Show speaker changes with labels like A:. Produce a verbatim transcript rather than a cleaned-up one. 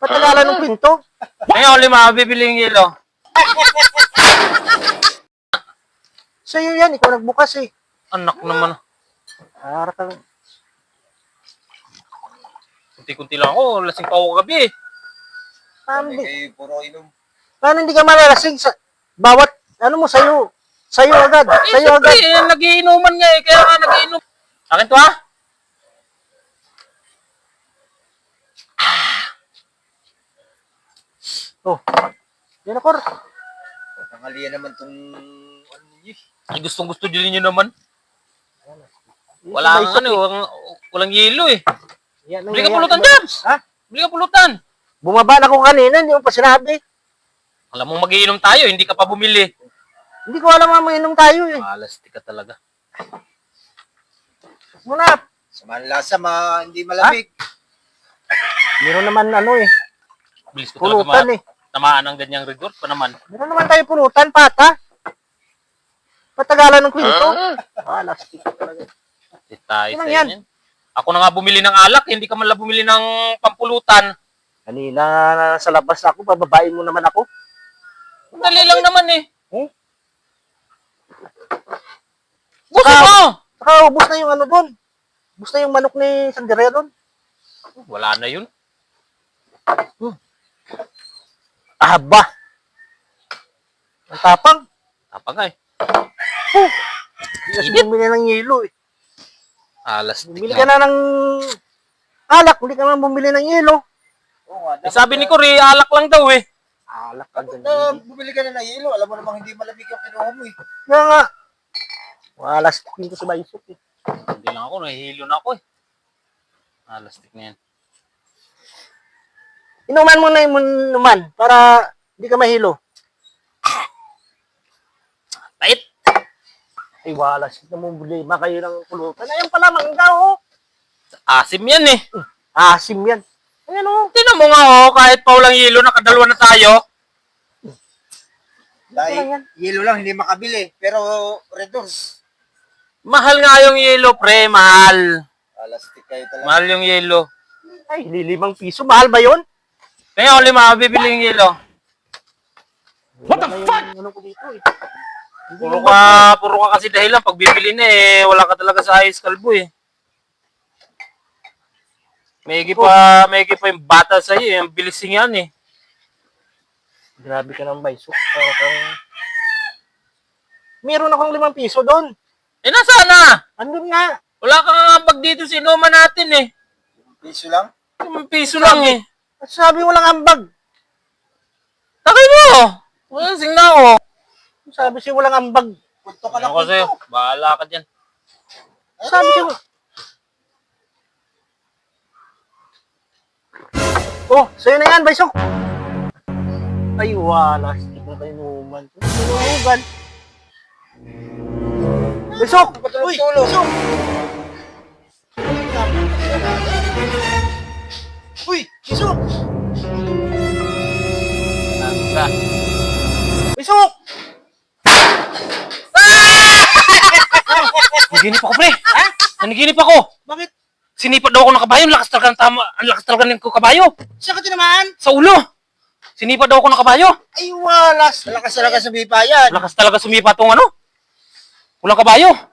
A: Patagalan ng kwento.
B: Ngayon, lima, bibili yung yelo.
A: Sa'yo yan, ikaw nagbukas eh.
B: Anak naman.
A: Para ka lang.
B: Kunti-kunti lang ako. Lasing pa ako gabi eh.
A: Paano
C: Hindi
A: hindi,
C: kayo puro inom.
A: paano hindi ka malalasing sa bawat, ano mo, sa'yo. Sa'yo agad.
B: Eh,
A: Sa'yo
B: siyempre,
A: agad.
B: eh, nagiinuman nga eh. Kaya nga nagiinom. Akin to ha?
A: Oh. Yan ako.
C: Tangalian naman tong ano niyo.
B: Ay, gustong gusto din niyo naman.
A: Yan,
B: Wala
A: may
B: kang
A: isip
B: ano, walang, walang yelo eh.
A: eh. Yan,
B: Bili ka
A: yan,
B: pulutan,
A: yan.
B: Jabs!
A: Ha?
B: Bili ka pulutan.
A: Bumaba na ako kanina, hindi mo pa sinabi.
B: Alam mo magiinom tayo, hindi ka pa bumili.
A: Hindi ko alam nga mainom tayo eh.
B: Malas, ka talaga.
A: Muna,
C: Sa lasa, ma, hindi malamig.
A: meron naman ano eh.
B: Bilis ko talaga
A: Pulutan
B: ma-
A: eh.
B: tamaan ng ganyang rigor pa naman.
A: Meron naman tayo pulutan, pata. Patagalan ng kwento. Ah, lastik talaga.
B: Di tayo
A: Ano
B: sa
A: yan?
B: inyo. Ako na nga bumili ng alak, hindi ka man lang bumili ng pampulutan.
A: Kanina sa labas ako, bababain mo naman ako.
B: Dali lang naman eh.
A: Eh?
B: Gusto
A: Saka-
B: mo!
A: Saka ubus na yung ano doon. Ubus na yung manok ni Sandria doon.
B: Wala na yun.
A: Aba! Ang tapang.
B: Tapa nga eh.
A: Hindi kasi bumili ng yelo eh.
B: Alas.
A: Bumili ka na ng alak, hindi ka na bumili ng yelo.
C: Oo nga.
B: Eh, sabi ni Cory, alak lang daw eh.
A: Alak ka
C: Dapat
A: dyan.
C: na bumili ka na ng yelo. Alam mo namang hindi malamig yung kinuha mo eh.
A: Kaya nga. Wala stick dito sa baysok eh.
B: Hindi lang ako, nahihilo na ako eh. Alas na yan.
A: Inuman mo na yung inuman para hindi ka mahilo.
B: Tait!
A: Ay, wala stick na mong problema kayo ng pulutan. Ayan pala, mangga oh.
B: Asim yan eh.
A: Asim yan. Ayan oh.
B: Tinan mo nga oh, kahit pa walang yelo, nakadalawa na tayo.
C: Dahil
A: lang yan.
C: yelo lang, hindi makabili. Pero redos.
B: Mahal nga yung yelo, pre, mahal.
C: Alastik kayo talaga.
B: Mahal yung yelo.
A: Ay, lilimang piso. Mahal ba yun?
B: Kaya ako lima, bibili yung yelo.
A: What the fuck? Ano ko dito eh. Hindi
B: Puro
A: naman-
B: ka, puro ka kasi dahilan. Pag bibili na eh, wala ka talaga sa ayos kalbo eh. Mayigi pa, mayigi pa yung bata sa'yo eh. Ang bilising yan eh.
A: Grabe ka ng baysok. Para kang... Meron akong limang piso doon.
B: Eh, nasaan na?
A: Andun nga.
B: Wala kang ambag dito sa inuman natin eh.
C: Piso lang.
B: Yung piso lang eh.
A: At sabi mo lang ambag.
B: Takay mo! Wala sing na ako.
A: Sabi siya walang ambag.
C: Punto ka lang.
B: Ano kasi, bahala ka dyan.
A: Sabi siya... Oh, sa'yo na yan, baysok. Ay, wala. Stick na kayo numan. Tulugan. Baysok! Uy, baysok! Uy, baysok!
B: Tangga.
A: Baysok!
B: Naniginip ako, pre. Ha? Naniginip ako.
A: Bakit?
B: Sinipa daw ako ng kabayo. Ang lakas talaga ng tama. Ang lakas talaga ng kabayo.
A: Saan ka tinamaan?
B: Sa ulo. Sinipa daw ako ng kabayo.
A: Ay, walas.
C: Malakas talaga sa bipa yan.
B: Lakas talaga sumipa tong ano. Walang kabayo.